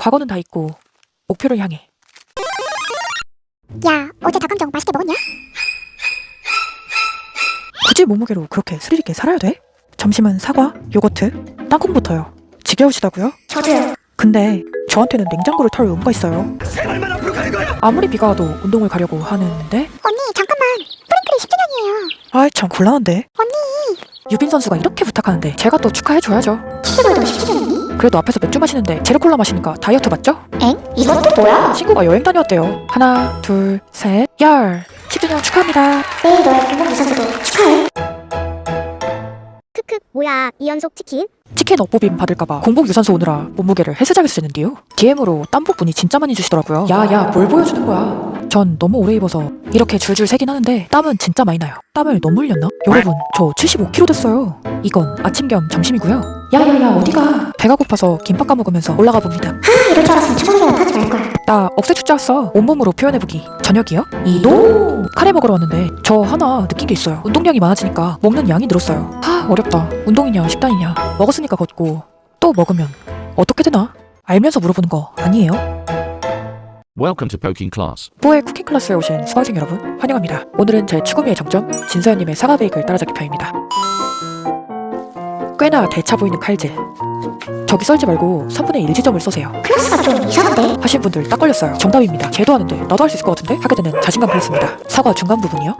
과거는 다 잊고 목표를 향해. 야, 어제 닭강정 맛있게 먹었냐? 굳이 몸무게로 그렇게 스릴 있게 살아야 돼? 점심은 사과, 요거트, 땅콩부터요. 지겨우시다고요? 저도요. 근데 저한테는 냉장고를 털 의무가 있어요. 생활만 앞으로 가는 거야. 아무리 비가 와도 운동을 가려고 하는데 언니, 잠깐만. 프링클이 10주년이에요. 아이 참 곤란한데. 언니, 유빈 선수가 이렇게 부탁하는데 제가 또 축하해줘야죠. 친구들도 10주년이니? 그래도 앞에서 맥주 마시는데 제로콜라 마시니까 다이어트 맞죠? 엥? 이건 또 뭐야? 친구가 여행 다녀왔대요. 하나, 둘, 셋, 열. 10주년 축하합니다. 내일 너의 공복 유산소도 축하해. 크크, 뭐야, 이 연속 치킨? 치킨 업보빔 받을까봐 공복 유산소 오느라 몸무게를 헬스장에서 쟀는데요. DM으로 땀복분이 진짜 많이 주시더라고요. 야야 뭘 보여주는 거야. 전 너무 오래 입어서 이렇게 줄줄 새긴 하는데 땀은 진짜 많이 나요. 땀을 너무 흘렸나? 여러분 저 75kg 됐어요. 이건 아침 겸 점심이고요. 야야야 어디가? 배가 고파서 김밥 까먹으면서 올라가 봅니다. 이럴 줄 알았으면 초밥이나 타지 말걸. 나 억새 축제 왔어. 온몸으로 표현해보기. 저녁이요? 이노! 카레 먹으러 왔는데 저 하나 느낀 게 있어요. 운동량이 많아지니까 먹는 양이 늘었어요. 어렵다. 운동이냐 식단이냐. 먹었으니까 걷고 또 먹으면 어떻게 되나? 알면서 물어보는 거 아니에요? Welcome to Poking Class. 뽀의 쿠킹 클래스에 오신 수강생 여러분 환영합니다. 오늘은 제 추구미의 정점 진서연님의 사과 베이글 따라잡기 편입니다. 꽤나 대차 보이는 칼질. 저기 썰지 말고 3분의 1 지점을 쏘세요. 클래스가 좀 이상한데? 하신 분들 딱 걸렸어요. 정답입니다. 걔도 하는데 나도 할 수 있을 것 같은데? 하게 되는 자신감 플러스입니다. 사과 중간 부분이요.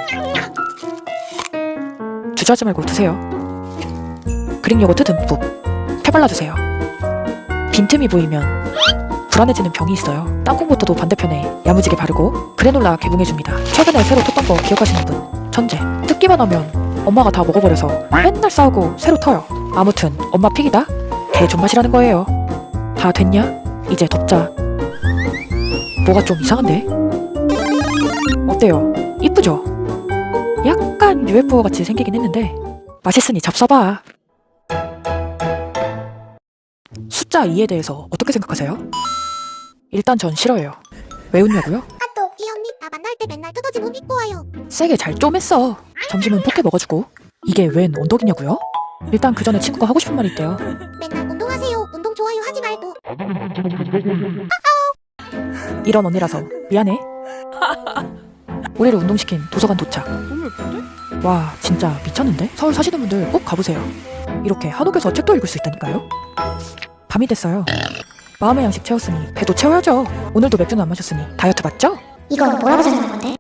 주저하지 말고 드세요. 그릭 요거트 듬뿍 펴발라주세요. 빈틈이 보이면 불안해지는 병이 있어요. 땅콩버터도 반대편에 야무지게 바르고 그래놀라 개봉해줍니다. 최근에 새로 텄던 거 기억하시는 분? 천재. 뜯기만 하면 엄마가 다 먹어버려서 맨날 싸우고 새로 터요. 아무튼 엄마 픽이다? 개 존맛이라는 거예요. 다 됐냐? 이제 덮자. 뭐가 좀 이상한데? 어때요? 이쁘죠? 약간 UFO 같이 생기긴 했는데 맛있으니 잡숴봐. 숫자 2에 대해서 어떻게 생각하세요? 일단 전 싫어해요. 왜 웃냐고요? 또, 이 언니, 나 만날 때 맨날 뜯어진 옷 입고 와요. 세게 잘 쪼맸어. 점심은 포켓 먹어주고. 이게 웬 언덕이냐고요? 일단 그 전에 친구가 하고 싶은 말이 있대요. 맨날 운동하세요. 운동 좋아요 하지 말고. 이런 언니라서 미안해. 우리를 운동시킨 도서관 도착. 와 진짜 미쳤는데? 서울 사시는 분들 꼭 가보세요. 이렇게 한옥에서 책도 읽을 수 있다니까요. 밤이 됐어요. 마음의 양식 채웠으니 배도 채워야죠. 오늘도 맥주는 안 마셨으니 다이어트 맞죠? 이건 뭐라고 설명한 건데?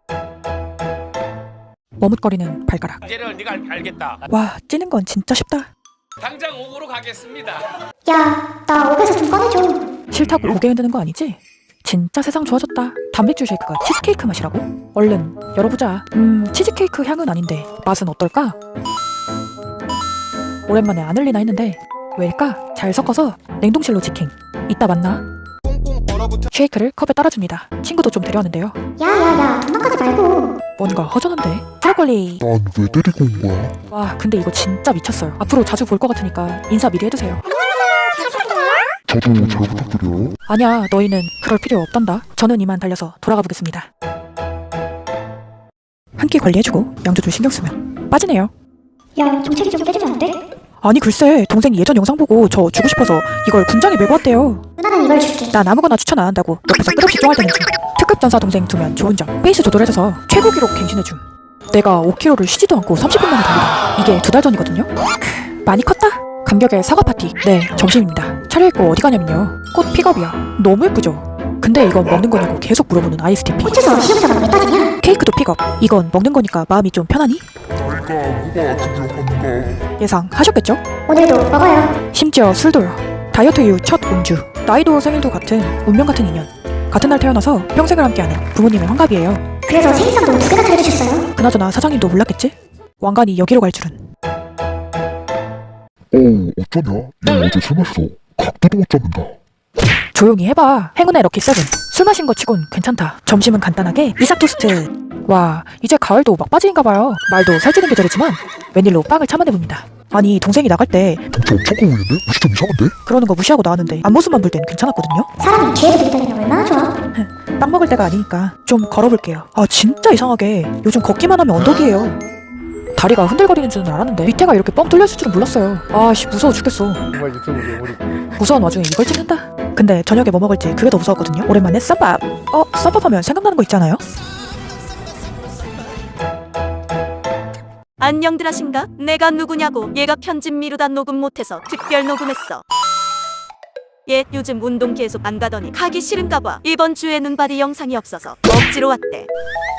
머뭇거리는 발가락. 이제는 네가 알겠다. 와 찌는 건 진짜 쉽다. 당장 옥으로 가겠습니다. 야, 나 옷에서 좀 꺼내줘. 싫다고 고개 흔드는 거 아니지? 진짜 세상 좋아졌다. 단백질 쉐이크가 치즈케이크 맛이라고? 얼른 열어보자. 치즈케이크 향은 아닌데 맛은 어떨까? 오랜만에 안 흘리나 했는데 왜일까? 잘 섞어서 냉동실로 직행. 이따 만나. 쉐이크를 컵에 따라줍니다. 친구도 좀 데려왔는데요. 야, 도망가지 말고. 뭔가 허전한데? 브로콜리. 난 왜 데리고 온 거야? 와 근데 이거 진짜 미쳤어요. 앞으로 자주 볼 것 같으니까 인사 미리 해두세요. 저도 잘 부탁드려요. 아니야 너희는 그럴 필요 없단다. 저는 이만 달려서 돌아가 보겠습니다. 한 끼 관리해주고 양조줄 신경 쓰면 빠지네요. 야, 종채기 좀 빼주면 안 돼? 아니 글쎄 동생이 예전 영상 보고 저 주고 싶어서 이걸 군장에 메고 왔대요. 누나는 이걸 줄게. 난 아무거나 추천 안 한다고 옆에서 끝없이 쫑알대는 중. 특급 전사 동생 두면 좋은 점 페이스 조절해줘서 최고 기록 갱신해줌. 내가 5kg를 쉬지도 않고 30분 만에 달리다. 이게 2달 전이거든요. 많이 컸다. 감격의 사과 파티. 네 점심입니다. 차려입고 어디 가냐면요 꽃 픽업이야. 너무 예쁘죠? 근데 이건 먹는 거냐고 계속 물어보는 ISTP. 꽂혀서 시험자가 왜 빠지냐? 케이크도 픽업. 이건 먹는 거니까 마음이 좀 편하니? 내가 뭐가 중요한가? 예상하셨겠죠? 오늘도 먹어요. 심지어 술도요. 다이어트 이후 첫 음주. 나이도 생일도 같은 운명 같은 인연. 같은 날 태어나서 평생을 함께하는 부모님의 환갑이에요. 그래서 생일상도 2개나 차려주셨어요. 그나저나 사장님도 몰랐겠지? 왕관이 여기로 갈 줄은. 어쩌냐? 얘 어제 술 마셔서 각도도 못 잡는다. 조용히 해봐. 행운의 럭키 세븐. 술 마신 거 치곤 괜찮다. 점심은 간단하게 이삭 토스트. 와 이제 가을도 막바지인가봐요. 말도 살찌는 계절이지만 웬일로 빵을 참아내봅니다. 아니 동생이 나갈 때 덩치 엄청 보이는데? 무시 좀 이상한데? 그러는 거 무시하고 나왔는데 앞모습만 볼 땐 괜찮았거든요. 사람이 뒤에도 있다면 얼마나 좋아. 빵 먹을 때가 아니니까 좀 걸어볼게요. 아 진짜 이상하게 요즘 걷기만 하면 언덕이에요. 다리가 흔들거리는 줄은 알았는데 밑에가 이렇게 뻥 뚫렸을 줄은 몰랐어요. 아씨 무서워 죽겠어. 정말 유튜브 괴물이고. 무서운 와중에 이걸 찍는다? 근데 저녁에 뭐 먹을지 그게 더 무서웠거든요. 오랜만에 쌈밥. 쌈밥 하면 생각나는 거 있잖아요. 안녕들 하신가? 내가 누구냐고. 얘가 편집 미루다 녹음 못해서 특별 녹음했어. 얘 요즘 운동 계속 안 가더니 가기 싫은가 봐. 이번 주에 눈발이 영상이 없어서 억지로 왔대.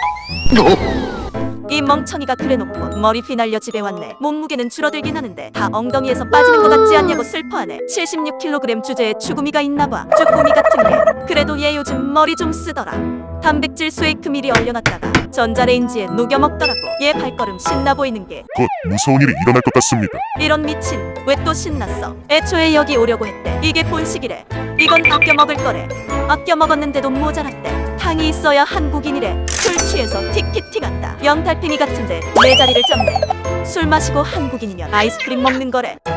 이 멍청이가 그래놓고 머리 휘날려 집에 왔네. 몸무게는 줄어들긴 하는데 다 엉덩이에서 빠지는 것 같지 않냐고 슬퍼하네. 76kg 주제에 죽음이가 있나봐. 쭈꾸미 같은 게. 그래도 얘 요즘 머리 좀 쓰더라. 단백질 쉐이크 미리 얼려놨다가 전자레인지에 녹여 먹더라고. 얘 발걸음 신나 보이는 게. 곧 무서운 일이 일어날 것 같습니다. 이런 미친. 왜 또 신났어? 애초에 여기 오려고 했대. 이게 본식이래. 이건 아껴 먹을 거래. 아껴 먹었는데도 모자랐대. 당이 있어야 한국인이래. 술 취해서 티키티 간다. 연달팽이 같은데 내 자리를 잡네. 술 마시고 한국인이면 아이스크림 먹는 거래.